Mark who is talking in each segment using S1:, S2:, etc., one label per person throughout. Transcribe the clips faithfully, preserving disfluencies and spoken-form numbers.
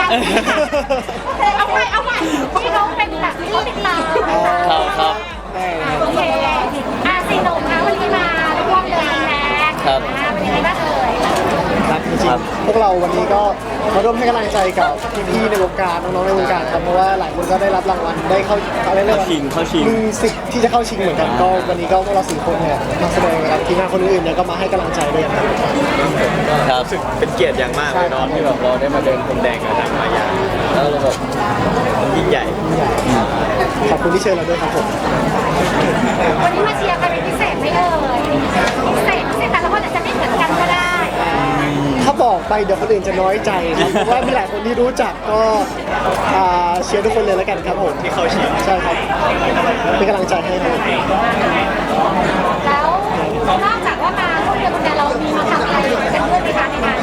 S1: เอาไปเอาไปพี่น้องเป็นแบบที่ติดตาม
S2: ครับครับ
S1: โอเคอาซีโนคะวันนี้มาร่วมเดินแทน
S2: ครับ
S1: เป็นยังไงบ้างเอ่ย
S3: ครับจริงๆพวกเราวันนี้ก็มาร่วมให้กำลังใจกับพี่ๆในวงการน้องๆในวงการครับเพราะว่าหลายคนก็ได้รับรางวัลได้เข้าเขาเรียก
S2: เข้า
S3: ว่า
S2: ชิงเข้าชิง
S3: มีสิทธิ์ที่จะเข้าชิงเหมือนกันก็วันนี้ก็พวกเราสี่คนเนี่ยมาแสดงกับทีมงานคนอื่นเนี่ยก็มาให้กำลังใจด้วยครับ
S2: ครับ
S4: รู้สึกเป็นเกียรติอย่างมากเลยเนาะที่แบบเราได้มาเดินพรมแดงกับทางมายาแล้วเราแบบมันยิ่งใหญ่
S3: ขอบคุณที่เชิญเราด้วยครับผม
S1: วันนี้มาเชียร์ใครเป็นพิเศษไหมเอ่ยพิเศษพิเศษแต่ละคนอาจจะไม่เหมือนกันก็ได้
S3: ถ้าบอกไปเดี๋ยวคนอื่นจะน้อยใจครับเพราะว่ามีหลายคนที่รู้จักก็อ่าเชียร์ทุกคนเลยแล้วกันครับผม
S4: ที่เข้าชิง
S3: ใช่ครับเป็นกำลังใจให้ครับ
S1: แล้วนอกจากว่ามาร่วมเดินคนเดียวเรามีมาทำอะไรกันด้วยไหมคะในงาน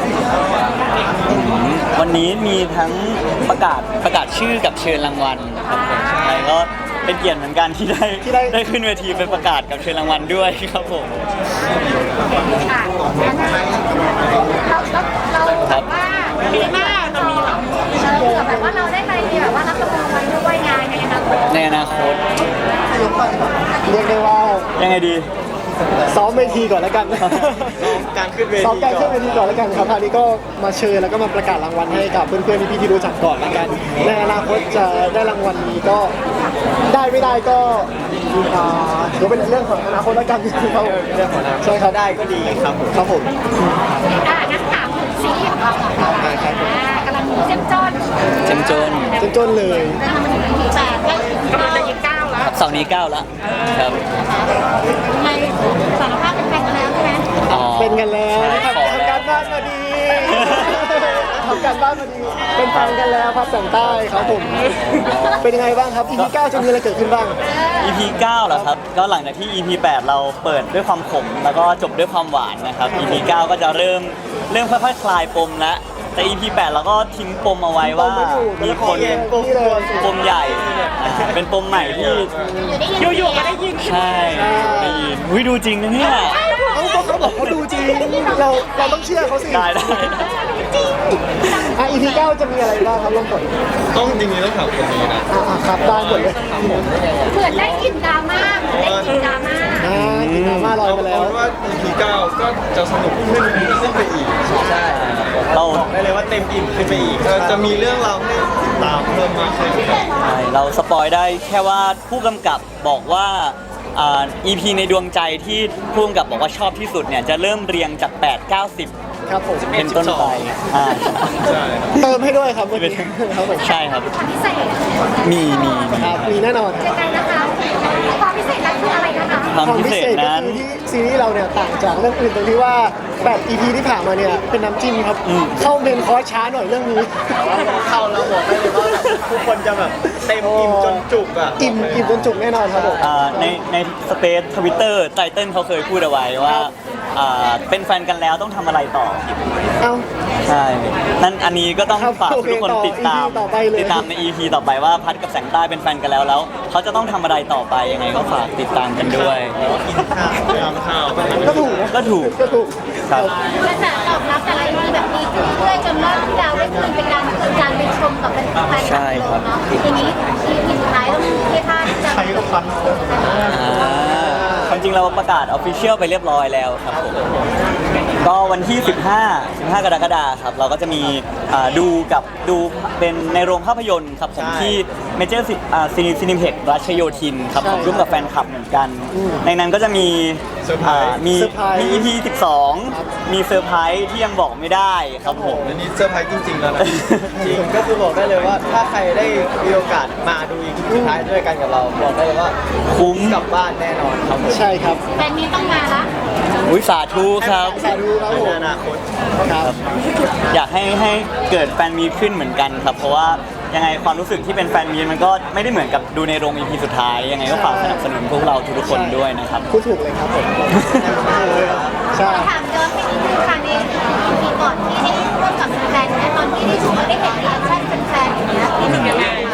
S2: วันนี้มีทั้งประกาศประกาศชื่อกับเชิญรางวัลครับผมใช่ก็เป็นเกียรติเหมือนกันที่ได้ได้ขึ้นเวทีเป็นประกาศกับเชิญรางวัลด้วยครับผม
S1: ค่ะเราเราเราแบบว่าดีมากเรามีแบบเออแบบว่าเราได้ไปแบบว่ารับรางวัลด้วยงานในอนาคต
S2: ในอนาคต
S3: เรียกได้ว่า
S2: ยังไงดี
S3: ซ้อมเวทีก่อนแล้วกัน
S4: การขึ้นเว
S3: ซ้อม
S4: ที
S3: การ
S4: ก่
S3: ขึ้
S4: อน น
S3: เวทีก่อนแล้วกันครับคราวนี้ก็มาเชิญแล้วก็มาประกาศรางวัลให้กับเพื่อนๆพี่ๆที่รู้จักก่อนแล้วกันในอนาคตจะได้รางวัลนี้ก็ได้ไม่ได้ก็อ่าเดี๋ยวเป็นเรื่องของอนาคตแล้วกันครับผม
S4: เรื่องของเรา
S3: ใช่ครับ
S4: ได้ก็ดีครับผม
S3: ครับผม
S1: อ่ะงั้นถามถึงซีรีส์ของเราหน่อยค่ะอ่ากำลังเจ้มจน
S2: เจ้มจน
S3: จนจนเลย
S1: ทำมันถึงทีแปดก็กำลังจะยิงเก้าแล้ว
S2: ครับเสาร์นี้เก้าแล้วครับ
S1: ทำไมสารภาพเป็นแฟนกันแล้วใช่ไหม
S2: อ๋อ
S3: เป็นกันแล้ว
S2: ใช่
S3: ทำ
S2: ขอ
S3: ทำ
S2: แล้
S3: กาว รบ้านมาดีทำการบ้านมาดีเป็นแฟนกันแล้วครับแต่งใต้ครับผมเป็นยังไงบ้างครับ อี พี เก้าจะมีอะไรเกิดขึ้นบ้าง
S2: อี พี เก้าเหรอครับ ก็หลังจากที่ อี พี แปดเราเปิดด้วยความขมแล้วก็จบด้วยความหวานนะครับ อี พี เก้าก็จะเริ่มเริ่มค่อยๆคลายปมแล้วแต่ อี พี แปดเราก็ทิ้งปมเอาไว้ว่า มีคน
S3: ปมเลย
S2: ปมใหญ่อ่าเป็นปมใหม่ที่
S1: อยู่ๆก็ได้ยิน
S2: ใช่ได้ยินวิดูจริงนะเนี่ย
S3: เขาบอกเขาบอกเขาดูจริงเราเราต้องเชื่อเขาสิ
S2: ได้ได้ได้
S3: อ่ะ อี พี เก้าจะมีอะไรบ้างครับลงก่อน
S4: ต้องจริงๆต้องถามคนนี้นะ
S3: อ่ะครับได้หมดเลย
S1: เหมือนได้กลินดราม่าเหมือนได้กลินดราม่า
S3: อ่ากินน้ำมาลอยไปแล้ว
S4: เอาเป็นว่า อี พี เก้าก็จะสนุกขึ้นขึ้นไปอีกใช่
S2: เรา
S4: บอกได้เลยว่าเต็มอิ่มขึ้นไปอีกก็จะมีเรื่องราวให้ติดตามเพิ่มมากขึ้น
S2: ใช่เราสปอยได้แค่ว่าผู้กำกับบอกว่าอ่า อี พี ในดวงใจที่ผู้กำกับบอกว่าชอบที่สุดเนี่ยจะเริ่มเรียงจากแปด เก้า สิบ
S3: ครับผม
S2: เป็นต้นไปอ่า
S4: ใช่
S3: เติมให้ด้วยครับเมื่อกี้ครับผม
S2: ใช่ครับ
S1: ความพิเศษ
S2: มีมีมี
S3: ครับมีแน่นอน
S1: ยังไงนะคะความพิเศษนั้นคืออะไรนะคะ
S2: ความ
S3: ความ
S2: พิ
S3: พิ
S2: เศ
S3: เศ
S2: ษ
S3: ษก็
S2: นั้น
S3: คือที่ซีรีส์เราเนี่ยต่างจากเรื่องอื่นตรงที่ว่าแปด อี พี ที่ผ่านมาเนี่ยเป็นน้ำจิ้มครับ
S2: อืม
S3: เข้าเมนคอร์สช้าหน่อยเรื่องนี้
S4: เข้าแล้วบอกได้เลยว่าแบบทุกคนจะแบบเต็มอิ่มจนจุกอ่ะ
S3: อิ่มอิ่มจนจุกแน่นอนครับผม
S2: อ่าในในสเปซทวิตเตอร์ไตเติ้ลเขาเคยพูดเอาไว้ว่าอ่าเป็นแฟนกันแล้วต้องทำอะไรต่อ
S3: เอ้า
S2: ใช่ นั่นอันนี้ก็ต้อง
S3: ครับ
S2: ฝาก
S3: โอเค
S2: ทุกคน
S3: ต่อ
S2: ติดตาม
S3: อี พี ต่อไปเลย
S2: ติดตามใน อี พี ต่อไปว่าพัดกับแสงใต้เป็นแฟนกันแล้วแล้วเขาจะต้องทำอะไรต่อไปยังไงก็ฝากติดตามกันด้วย
S4: กินข้าวทำข้าว
S3: ก็ถูกนะ
S2: ก็ถูก
S3: ก็ถูก
S2: ครับ
S1: กระแสตอบรับแต่ละทีแบบดีขึ้นเรื่อยๆจนรอบที่เราได้คืนเป็นการคืนการไปชมกับเป็นแฟนคลับ
S2: ใช่ครับ
S1: เนาะทีนี้ทีทีสุดท้ายต้องเทียท่าที่จะ
S3: ใครก็ฟัน
S2: อ่าความจริงเราประกาศออฟฟิเชียลไปเรียบร้อยแล้วครับผมก็วันที่ สิบห้า สิบห้ากรกฎาคมครับเราก็จะมีอ่าดูกับดูเป็นในโรงภาพยนตร์ครับผมที่เมเจอร์ซีนีซีนิเพ็กรัชโยธินครับผมร่วมกับแฟนคลับเหมือนกัน ในนั้นก็จะมีอ่ามีมี อี พี สิบสอง มีเซอร์ไพรส์ที่ยังบอกไม่ได้ครับผม
S4: อันนี้เซอร์ไพรส์จริงๆแล้วนะจริงก็คือบอกได้เลยว่าถ้าใครได้มีโอกาสมาดูอีกสุดท้ายด้วยกันกับเราบอกได้เลยว่า
S2: คุ้ม
S4: กลับบ้านแน่นอนครับผม
S3: ใช่ครับ
S1: แฟนนี้ต้องมาละ
S2: อุ้ยสาธุครับ
S3: สาธุครับผม
S4: ในอนาคต
S3: ครับ
S2: อยากให้ให้เกิดแฟนมีตขึ้นเหมือนกันครับ เพราะว่ายังไงความรู้สึกที่เป็นแฟนมีตมันก็ไม่ได้เหมือนกับดูในโรง อี พี สุดท้ายยังไงก็ฝากสนับสนุนพวกเราทุกๆคนด้วยนะครับ
S3: พูดถูกเลยครับผมใช่
S1: ถามย้อนไปนิดนึงค่ะในปีก่อนที่ได้ร่วมกับแฟนๆนะตอนที่ได้ชมได้เห็นรีแอคชั่นแฟนๆอย่างเงี้ยเป็นยังไงคะ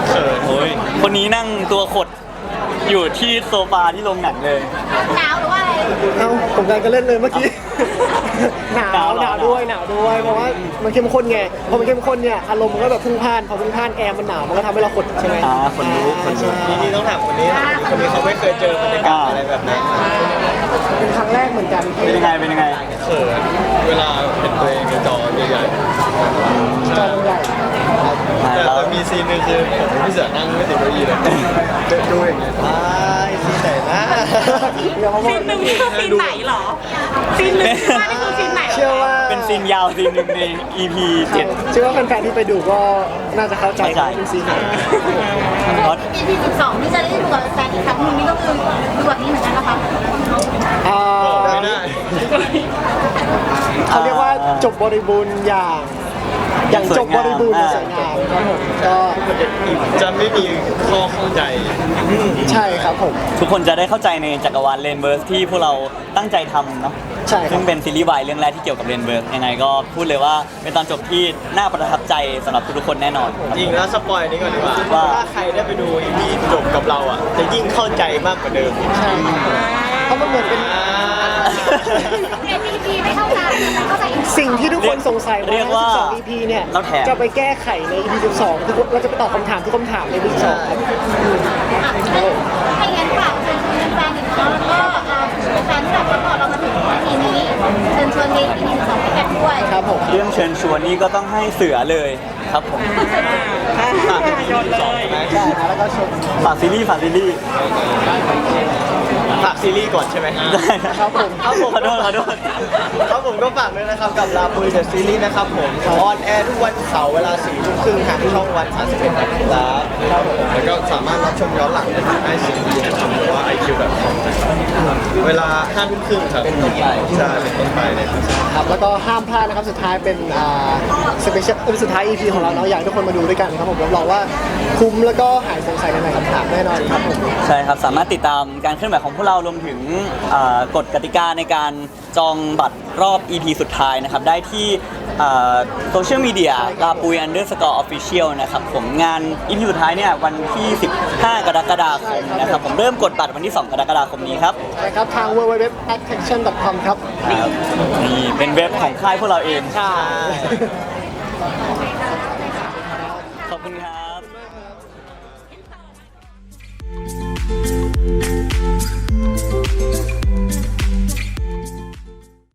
S2: โอ้ยคนนี้นั่งตัวขดอยู่ที่โซฟาที่โรงหนังเลย
S1: หนาวหรือว่าอะไร
S3: เอ้าผมกำลังจะเล่นเลยเมื่อกี้ หนาว
S2: หนาวเหรอ
S3: หนาวด้วยหนาวด้วยเพราะว่ามันเข้มข้นไงพอมันเข้มข้นเนี่ยอารมณ์มันก็แบบพุ่งพล่านพอพุ่งพล่านแอร์มันหนาวมันก็ทำให้เราขดใช่ไหม
S2: อ่าขนลุกขนลุก
S4: นี่นี่ต้องถามคนนี้คนนี้เขาไม่เคยเจอบรรยากาศอะไรแบบนั้น
S3: เป็นครั้งแรกเหมือนกัน
S2: เป็นยังไงเป็นยังไง
S4: เขินเวลาเห็นตัวเองในจอใหญ่
S3: จอใหญ่
S4: ๆแต่แต่มีซีนหนึงคือผมกับพี่เสือนั่งไม่ติดเก้าอี้เลยดูอย่างเงี้ยว้ายซีนไหนนะ
S3: เดี๋ยวเขาบอ
S1: ซี
S3: ก
S1: นหนึ่งนี่คือซีนไหนเหรอซีนหนึ่งว่านี่คือซีนไหน
S3: เชื่อว่า
S2: เป็นซีนยาวซีนหนึ่งใน อี พี เจ็ด
S3: เชื่อว่าแฟนๆที่ไปดูก็น่าจะเข้าใจ
S2: เข้าใจ
S3: ว่าเป็นซีนไหน
S2: เพราะ
S1: อี พีสิบสองที่จะได้ดูกับแฟนอีกครั้งหนึงนี่ก็คือดูแบบนี้เหมือนกันนะคะ
S3: อ่า
S4: ไม่ได้
S3: เขาเรียกว่าจบบริบูรณ์อย่างอย่างจบบริบูรณ์อย่างสวยงามครับผมก็
S4: จะไม่มีข้อข้องใจ
S3: ใช่ครับผม
S2: ทุกคนจะได้เข้าใจในจักรวาลเรนเบิร์สที่พวกเราตั้งใจทำเนาะ
S3: ใช่ครับ
S2: ซึ่งเป็นซีรีส์วายเรื่องแรกที่เกี่ยวกับเรนเบิร์สยังไงก็พูดเลยว่าเป็นตอนจบที่น่าประทับใจสำหรับทุกๆคนแน่นอนครับ
S4: จริงแล้วสปอยนี้ก่อนดีกว่า
S2: ว่า
S4: ถ้าใครได้ไปดูอีพีจบกับเราอ่ะ จะยิ่งเข้าใจมากกว่าเดิม
S3: ใช่เพราะมันเหมือนเป็น
S4: อ่า
S1: เอ็ม อี พีไม่เท่ากันเข้าใจอีก
S3: สิ่งที่ทุกคนสงสัย
S2: เรียกว่า
S3: สิบสอง อี พี เนี่ย
S2: เราแถม
S3: จะไปแก้ไขใน อี พี สิบสองทุกคนเราจะไปตอบคำถามทุกคำถามใน อี พี สิบสองครับ
S1: อ่ะให้งั้นฝากเชิญชวนแฟนๆอีกเนาะแล้วก็เอ่อแฟนๆที่แบบซัพพอร์ตเรามาถึงทีนี้เชิญชวนใน อี พี สิบสองให้กันด้วย
S3: ครับผม
S2: เรื่องเชิญชวนนี่ก็ต้องให้เสือเลยครับผม
S4: ฝากอีพีสองใช่ไหม
S3: ใช่นะแล้วก็ชม
S2: ฝากซีรีส์ฝากซีรีส์
S4: ฝากซีรีส์ก่อนใช่ไหม
S2: ได้นะครับ
S3: ผม
S4: ครับผม
S2: ขอโทษขอโทษ
S4: ครับผมก็ฝากด้วยนะครับกับลาปุยเดอะซีรีส์นะครับผมออนแอร์ทุกวันเสาร์เวลาสี่ทุ่มครึ่งทางช่องวันสามสิบเอ็ดนะครับครับผมแล้วก็สามารถรับชมย้อนหลังได้ทางไอซีดีนะครับหรือว่าไอคิวแบบของเวลาห้าทุ่มครึ่งครับเป็นต้นไปใช่เป็นต้นไปเลยครับ
S3: ครับแล้วก็ห้ามพลาดนะครับสุดท้ายเป็นอ่าสเปเชียลสุดท้าย อี พี ของเราเนาะอยากให้ทุกคนมาดูด้วยกันครับผมรับรองว่าคุ้มแล้วก็หายสงสัยในหลายคำถามแน่นอนครับผม
S2: ใช่ครับสามารถติดตามการเคลื่อนไหวของพวกเรารวมถึงอ่ากฎกติกาในการจองบัตรรอบ อี พี สุดท้ายนะครับได้ที่โซเชียลมีเดียลาปุยอันเดอร์สกอร์ออฟฟิเชียลนะครับผมงาน อี พี สุดท้ายเนี่ยวันที่ สิบห้า กรกฎาคมนะครับผมเริ่มกดบัตรวันที่ สอง กรกฎาคมนี้ครับ
S3: ใช่ครับทาง ดับเบิลยู ดับเบิลยู ดับเบิลยู ดอท attraction ดอท คอม ครับ
S2: ครับนี่เป็นเว็บของค่ายพวกเราเอง
S3: ใช่
S2: ขอบคุณครับ